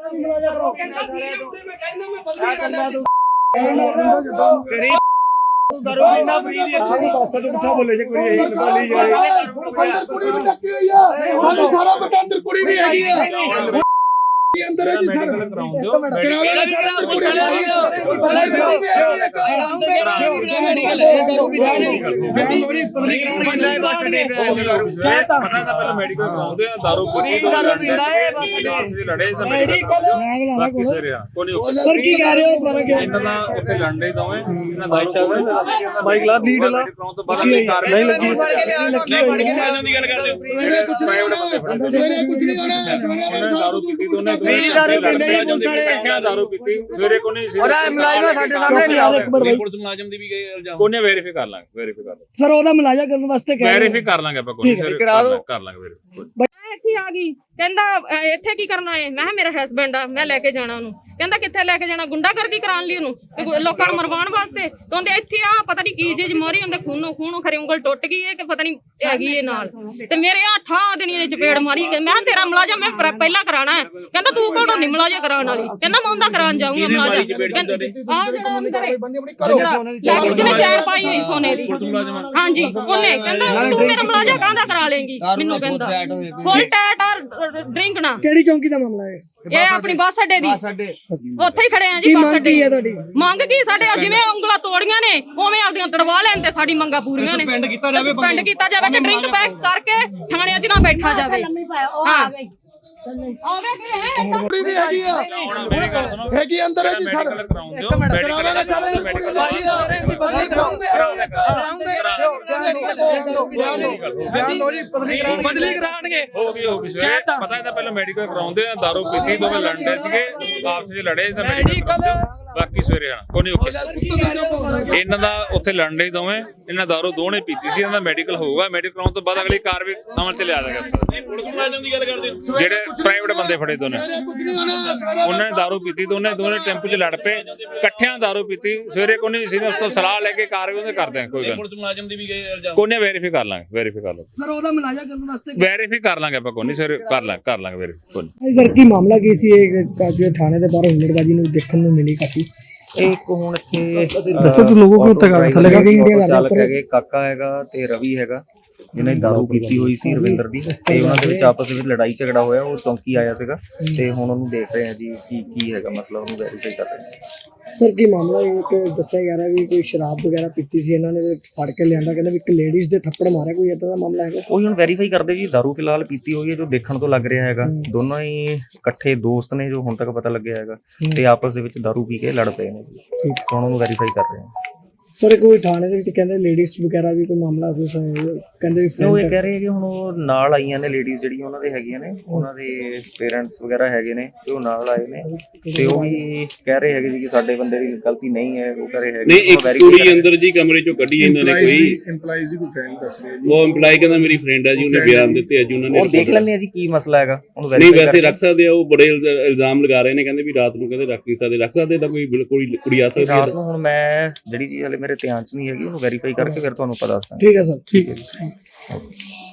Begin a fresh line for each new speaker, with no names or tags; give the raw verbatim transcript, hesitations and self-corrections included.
सारा पता अंदर कुड़ी भी हैगी है अंदर है जी सर
सर की कह रहे हो फर्क है इन्ना ਉੱਥੇ ਲੜਨੇ ਦੋਵੇਂ ਇਹਨਾਂ ਦਾਰੂ ਬਾਈਕ ਲਾ ਲੀਡ ਲਾ ਬਾਕੀ ਕਾਰਵਾਈ ਲੱਗੀ ਲੱਗੀ ਮੁਲਾਜ਼ਮ ਦੀ ਗੱਲ ਕਰਦੇ ਹੋ ਸਵੇਰੇ ਕੁਝ ਨਹੀਂ ਹੋਣਾ ਸਵੇਰੇ ਕੁਝ ਨਹੀਂ ਹੋਣਾ ਸਵੇਰੇ ਦਾਰੂ ਪੀਤੀ ਦੋਨੇ ਦਾਰੂ ਪੀਂਦੇ ਪੁਲਿਸ ਵਾਲੇ ਦਾਰੂ ਪੀਤੀ ਸਵੇਰੇ ਕੋਈ ਨਹੀਂ ਔਰ ਮੁਲਾਜ਼ਮ ਸਾਡੇ ਸਾਹਮਣੇ ਨਹੀਂ ਆਉਂਦੇ ਪੁਲਿਸ ਮੁਲਾਜ਼ਮ ਦੀ ਵੀ ਗਏ ਇਲਜ਼ਾਮ ਕੋਨੇ ਵੈਰੀਫਾਈ ਕਰ ਲਾਂਗੇ ਵੈਰੀਫਾਈ ਕਰ ਲਾਂਗੇ
ਸਰ ਉਹਦਾ ਮੁਲਾਜ਼ਾ ਕਰਨ ਵਾਸਤੇ ਕਹਿ
ਵੈਰੀਫਾਈ ਕਰ ਲਾਂਗੇ ਆਪਾਂ ਕੋਈ ਕਰਾ ਲਓ ਕਰ ਲਾਂਗੇ ਵੈਰੀਫਾਈ
ਇੱਥੇ ਆ ਗਈ ਕਹਿੰਦਾ ਇੱਥੇ ਕੀ ਕਰਨਾ ਹੈ ਮੈਂ ਮੇਰਾ ਹਸਬੈਂਡ ਆ ਮੈਂ ਲੈ ਕੇ ਜਾਣਾ ਉਹਨੂੰ ਕਹਿੰਦਾ ਕਿੱਥੇ ਲੈ ਕੇ ਜਾਣਾ ਗੁੰਡਾਗਰਦੀ ਕਰਾਉਣ ਲਈ ਉਹਨੂੰ ਲੋਕਾਂ ਨੂੰ ਮਰਵਾਉਣ ਵਾਸਤੇ ਕਹਿੰਦੇ ਇੱਥੇ ਆ ਪਤਾ ਨਹੀਂ ਕੀ ਚੀਜ਼ ਮਾਰੀ ਹੁੰਦੇ ਖੂਨੋਂ ਖੂਨੋਂ ਖਰੇ ਉਂਗਲ ਟੁੱਟ ਗਈ ਹੈ ਕਿ ਪਤਾ ਨਹੀਂ ਹੈਗੀ ਇਹ ਨਾਲ ਤੇ ਮੇਰੇ ਆ ਠਾ ਦੇਣੀ ਨੇ ਚਪੇੜ ਮਾਰੀ ਮੈਂ ਤੇਰਾ ਮੁਲਾਜ਼ਮ ਮੈਂ ਪਹਿਲਾਂ ਕਰਾਣਾ ਹੈ ਕਹਿੰਦਾ ਤੂੰ ਕੌਣ ਹੁੰਦੀ ਮੁਲਾਜ਼ਮ ਕਰਾਉਣ ਵਾਲੀ ਕਹਿੰਦਾ ਮੈਂ ਉਹਦਾ ਕਰਾਉਣ ਜਾਊਂਗਾ ਮੁਲਾਜ਼ਮ ਆ ਜਿਹੜਾ ਅੰਦਰ ਲੈ ਕੇ ਜਿਹਨੇ ਚੈਨ ਪਾਈ ਹੋਈ ਸੋਨੇ ਦੀ ਹਾਂਜੀ ਉਹਨੇ ਕਹਿੰਦਾ ਤੂੰ ਮੇਰਾ ਮੁਲਾਜ਼ਮ ਕਾਹਦਾ ਕਰਾ ਲੇਂਗੀ ਮੈਨੂੰ ਕਹਿੰਦਾ ਫੁੱਲ ਟੈਟ ਔਰ ਡਰਿੰਕ ਨਾ
ਕਿਹੜੀ ਚੌਂਕੀ ਦਾ ਮਾਮਲਾ ਹੈ
ਇਹ ਆਪਣੀ ਬੱਸ ਅੱਡੇ ਦੀ ਉੱਥੇ ਹੀ ਖੜੇ ਆ ਜੀ ਬੱਸ ਅੱਡੇ ਤੁਹਾਡੀ ਮੰਗ ਕੀ ਸਾਡੇ ਜਿਵੇਂ ਉਂਗਲਾਂ ਤੋੜੀਆਂ ਨੇ ਉਵੇਂ ਆਪਦੀਆਂ ਤੜਵਾ ਲੈਣ ਤੇ ਸਾਡੀ ਮੰਗਾਂ ਪੂਰੀਆਂ ਨੇ ਸਸਪੈਂਡ ਕੀਤਾ ਜਾਵੇ ਸਸਪੈਂਡ ਕੀਤਾ ਜਾਵੇ ਕਿ ਡਰਿੰਕ ਬੈਕ ਕਰਕੇ ਥਾਣਿਆਂ 'ਚ ਨਾ ਬੈਠਾ ਜਾਵੇ ਹਾਂ ਆਵੇ ਕਿ ਹੈ
ਕੁੜੀ ਵੀ ਹੈਗੀ ਆ ਹੈਗੀ ਅੰਦਰ ਹੈ ਜੀ ਸਰ
ਬਦਲੀ ਕਰਾਣਗੇ ਹੋ ਗਈ ਹੋ ਗਈ ਪਤਾ ਇਹਦਾ ਪਹਿਲਾਂ ਮੈਡੀਕਲ ਕਰਾਉਂਦੇ ਆ ਦਾਰੂ ਪੀਤੀ ਦੋਵੇਂ ਲੜਦੇ ਸੀਗੇ ਆਪਸ ਵਿੱਚ ਲੜੇ ਤਾਂ ਮੈਡੀਕਲ ਬਾਕੀ ਸਵੇਰੇ ਆ ਕੋਈ ਨਹੀਂ ਇਹਨਾਂ ਦਾ ਉੱਥੇ ਲੜਨੇ ਹੀ ਦੋਵੇਂ ਇਹਨਾਂ ਦਾਰੂ ਦੋਨੇ ਪੀਤੀ ਸੀ ਇਹਨਾਂ ਦਾ ਮੈਡੀਕਲ ਹੋਊਗਾ ਮੈਡੀਕਲ ਕਰਾਉਣ ਤੋਂ ਬਾਅਦ ਅਗਲੀ ਕਾਰਵਾਈ ਅਮਲ ਚ ਲਿਆ ਜਾਏਗਾ ਪੁਲਿਸ ਮੁਲਾਜ਼ਮ ਦੀ ਗੱਲ ਕਰਦੇ ਹੋ ਜਿਹੜੇ ਪ੍ਰਾਈਵੇਟ ਬੰਦੇ ਫੜੇ ਦੋਨੇ ਉਹਨਾਂ ਨੇ ਦਾਰੂ ਪੀਤੀ ਦੋਨੇ ਦੋਨੇ ਟੈਂਪੂ 'ਚ ਲੜ ਪਏ ਇਕੱਠਿਆਂ ਦਾਰੂ ਪੀਤੀ ਸਵੇਰੇ ਕੋਈ ਨਹੀਂ ਸੀ ਉਸ ਤੋਂ ਸਲਾਹ ਲੈ ਕੇ ਕਾਰਵਾਈ ਉਹਦੇ ਕਰਦੇ ਕੋਈ ਗੱਲ ਪੁਲਿਸ ਮੁਲਾਜ਼ਮ ਦੀ ਵੀ ਗਏ ਇਲਜ਼ਾਮ ਕੋਨੇ ਵੈਰੀਫਾਈ ਕਰ ਲਾਂਗੇ ਵੈਰੀਫਾਈ ਕਰ ਲਾਂਗੇ
ਸਰ ਉਹਦਾ ਮੁਲਾਜ਼ਾ ਕਰਨ ਵਾਸਤੇ
ਵੈਰੀਫਾਈ ਕਰ ਲਾਂਗੇ ਆਪਾਂ ਕੋਈ ਨਹੀਂ ਸਵੇਰੇ ਕਰ ਲਾਂਗੇ ਕਰ ਲਾਂਗੇ ਵੈਰੀਫਾਈ
ਸਰ ਕੀ ਮਾਮਲਾ ਕੀ ਸੀ ਇਹ ਥਾਣੇ ਦੇ ਬਾਹਰ ਹੁਲੜਬਾਜ਼ੀ ਨੂੰ ਦੇਖਣ ਨੂੰ ਮਿਲੀ ਕਾਫੀ
ਇੱਕ ਹੁਣ ਇੱਥੇ
ਦੱਸੋ ਤੂੰ ਲੋਗੋ ਨੂੰ ਉੱਤੇ ਕਰ ਥੱਲੇ ਕਰਕੇ ਇੰਡੀਆ ਕਰ
ਚਾਲਕ ਹੈਗੇ ਕਾਕਾ ਹੈਗਾ ਤੇ ਰਵੀ ਹੈਗਾ ਜਿਹਨੇ ਦਾਰੂ ਪੀਤੀ ਹੋਈ ਸੀ ਰਵਿੰਦਰ ਦੀ ਤੇ ਉਹਨਾਂ ਦੇ ਵਿੱਚ ਆਪਸ ਵਿੱਚ ਲੜਾਈ ਝਗੜਾ ਹੋਇਆ ਉਹ ਚੌਂਕੀ ਆਇਆ ਸੀਗਾ ਤੇ ਹੁਣ ਉਹਨੂੰ ਦੇਖ ਰਹੇ ਆ ਜੀ ਕੀ ਕੀ ਹੈਗਾ ਮਸਲਾ ਉਹਨੂੰ ਵੈਰੀਫਾਈ ਕਰ ਰਹੇ ਆ
ਸਰ ਕੀ ਮਾਮਲਾ ਇੱਕ ਦੱਸਿਆ ਜਾ ਰਿਹਾ ਵੀ ਕੋਈ ਸ਼ਰਾਬ ਵਗੈਰਾ ਪੀਤੀ ਸੀ ਇਹਨਾਂ ਨੇ ਫੜ ਕੇ ਲਿਆਂਦਾ ਕਹਿੰਦੇ ਵੀ ਇੱਕ ਲੇਡੀਜ਼ ਦੇ ਥੱਪੜ ਮਾਰਿਆ ਕੋਈ ਇਦਾਂ ਦਾ ਮਾਮਲਾ ਹੈਗਾ
ਉਹ ਹੁਣ ਵੈਰੀਫਾਈ ਕਰਦੇ ਜੀ ਦਾਰੂ ਫਿਲਹਾਲ ਪੀਤੀ ਹੋਈ ਹੈ ਜੋ ਦੇਖਣ ਤੋਂ ਲੱਗ ਰਿਹਾ ਹੈਗਾ ਦੋਨੋਂ ਹੀ ਇਕੱਠੇ ਦੋਸਤ ਨੇ ਜੋ ਹੁਣ ਤੱਕ ਪਤਾ ਲੱਗਿਆ ਹੈਗਾ ਤੇ ਆਪਸ ਦੇ ਵਿੱਚ ਦਾਰੂ ਪੀ ਕੇ ਲੜ ਪਏ ਨੇ ਜੀ ਹੁਣ ਉਹਨੂੰ ਵੈਰੀਫਾਈ ਕਰ ਰਹੇ ਆ
ਸਰ ਕੋਈ ਥਾਣੇ ਦੇ ਵਿੱਚ ਕਹਿੰਦੇ ਲੇਡੀਜ਼ ਵਗੈਰਾ ਵੀ ਕੋਈ ਮਾਮਲਾ ਕੁਝ ਕਹਿੰਦੇ ਵੀ
ਉਹ ਇਹ ਕਹਿ ਰਹੇ ਕਿ ਹੁਣ ਉਹ ਨਾਲ ਆਈਆਂ ਨੇ ਲੇਡੀਜ਼ ਜਿਹੜੀਆਂ ਉਹਨਾਂ ਦੇ ਹੈਗੀਆਂ ਨੇ ਉਹਨਾਂ ਦੇ ਪੇਰੈਂਟਸ ਵਗੈਰਾ ਹੈਗੇ ਨੇ ਤੇ ਉਹ ਨਾਲ ਆਏ ਨੇ ਤੇ ਉਹ ਵੀ ਕਹਿ ਰਹੇ ਹੈਗੇ ਜੀ ਕਿ ਸਾਡੇ ਬੰਦੇ ਦੀ ਗਲਤੀ ਨਹੀਂ ਹੈ ਉਹ ਕਹ ਰਹੇ ਹੈਗੇ
ਨਹੀਂ ਇੱਕ ਕੁੜੀ ਅੰਦਰ ਜੀ ਕਮਰੇ ਚੋਂ ਕੱਢੀ ਇਹਨਾਂ ਨੇ ਕੋਈ
EMPLOYEES ਦੀ ਕੋਈ ਫਰੈਂਡ ਦੱਸ ਰਿਹਾ ਜੀ
ਉਹ EMPLOYE ਕਹਿੰਦਾ ਮੇਰੀ ਫਰੈਂਡ ਹੈ ਜੀ ਉਹਨੇ ਬਿਆਨ ਦਿੱਤੇ ਅੱਜ ਉਹਨਾਂ ਨੇ
ਉਹ ਦੇਖ ਲੈਂਦੇ ਆ ਜੀ ਕੀ ਮਸਲਾ ਹੈਗਾ ਉਹਨੂੰ
ਨਹੀਂ ਵੈਸੇ ਰੱਖ ਸਕਦੇ ਆ ਉਹ ਬੜੇ ਇਲਜ਼ਾਮ ਲਗਾ ਰਹੇ ਨੇ ਕਹਿੰਦੇ ਵੀ ਰਾਤ ਨੂੰ ਕਹਿੰਦੇ ਰੱਖ ਨਹੀਂ ਸਕਦੇ ਰੱਖ ਸਕਦੇ ਤਾਂ ਕੋਈ ਬਿਲਕੁਲ ਕੁੜੀ ਆ ਸਕਦੀ ਹੈ
ਰਾਤ ਨੂੰ ਹੁਣ ਮੈਂ ਜਿਹੜੀ ਚੀਜ਼ ਹਲੇ ਮੇਰੇ ਧਿਆਨ 'ਚ ਨਹੀਂ ਹੈਗੀ ਉਹਨੂੰ ਵੈਰੀਫਾਈ ਕਰਕੇ ਫਿਰ ਤੁਹਾਨੂੰ ਪਤਾ ਦੱਸਦਾ
ਠੀਕ ਹੈ ਸਰ
ਠੀਕ ਹੈ ਜੀ।